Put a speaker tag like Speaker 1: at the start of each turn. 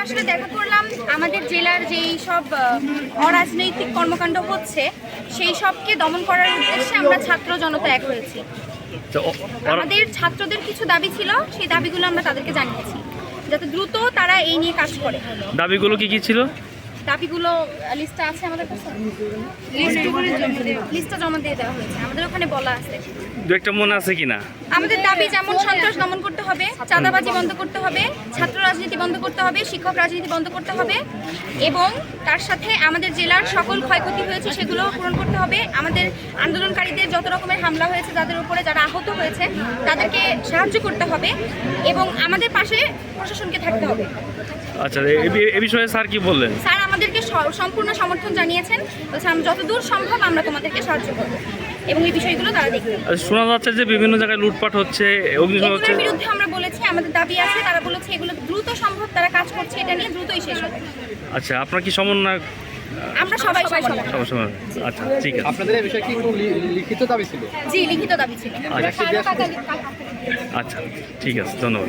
Speaker 1: আসলে দেখা করলাম আমাদের জেলার যেই সব অরাজনৈতিক কর্মকাণ্ড হচ্ছে সেই সবকে দমন করার উদ্দেশ্যে আমরা ছাত্র জনতা এক হয়েছি। আমাদের ছাত্রদের কিছু দাবি ছিল, সেই দাবিগুলো আমরা তাদেরকে জানিয়েছি যাতে দ্রুত তারা এই নিয়ে কাজ করে।
Speaker 2: দাবিগুলো কি কি ছিল?
Speaker 1: দাবিগুলো লিস্টটা আছে আমাদের কাছে, লিস্টটা জমা দিয়ে দেওয়া হয়েছে, আমাদের ওখানে বলা আছে।
Speaker 2: দু একটা মনে আছে কিনা?
Speaker 1: আমাদের দাবি যেমন সন্ত্রাস দমন করতে হবে, চাঁদাবাজি বন্ধ করতে হবে, ছাত্র রাজনীতি বন্ধ করতে হবে, শিক্ষক রাজনীতি বন্ধ করতে হবে এবং তার সাথে আমাদের জেলার সকল ক্ষয়ক্ষতি হয়েছে সেগুলো পূরণ করতে হবে। আমাদের আন্দোলনকারীদের যত রকমের হামলা হয়েছে, যাদের উপরে যারা আহত হয়েছে তাদেরকে সাহায্য করতে হবে এবং আমাদের পাশে প্রশাসনকে থাকতে হবে।
Speaker 2: আচ্ছা, এই বিষয়ে স্যার কি বললেন?
Speaker 1: স্যার আমাদেরকে সম্পূর্ণ সমর্থন জানিয়েছেন, বলছেন যতদূর সম্ভব আমরা তোমাদেরকে সাহায্য করব এবং এই বিষয়গুলো তারা দেখবে।
Speaker 2: শোনা যাচ্ছে যে বিভিন্ন জায়গায় লুটপাট হচ্ছে, অগ্নিসংযোগ হচ্ছে।
Speaker 1: এগুলোর বিরুদ্ধে আমরা বলেছি, আমাদের দাবি আছে, তারা বলেছে এগুলো দ্রুত সম্ভব তারা কাজ করছে, এটা নিয়ে দ্রুতই শেষ হবে।
Speaker 2: আচ্ছা, আপনার কি সমন্বয়?
Speaker 1: আমরা সবাই
Speaker 2: সবার সময়। আচ্ছা, ঠিক আছে।
Speaker 3: আপনাদের এই বিষয়ে কি কোনো লিখিত দাবি ছিল?
Speaker 1: জি, লিখিত দাবি ছিল।
Speaker 2: আচ্ছা, ঠিক আছে, ধন্যবাদ।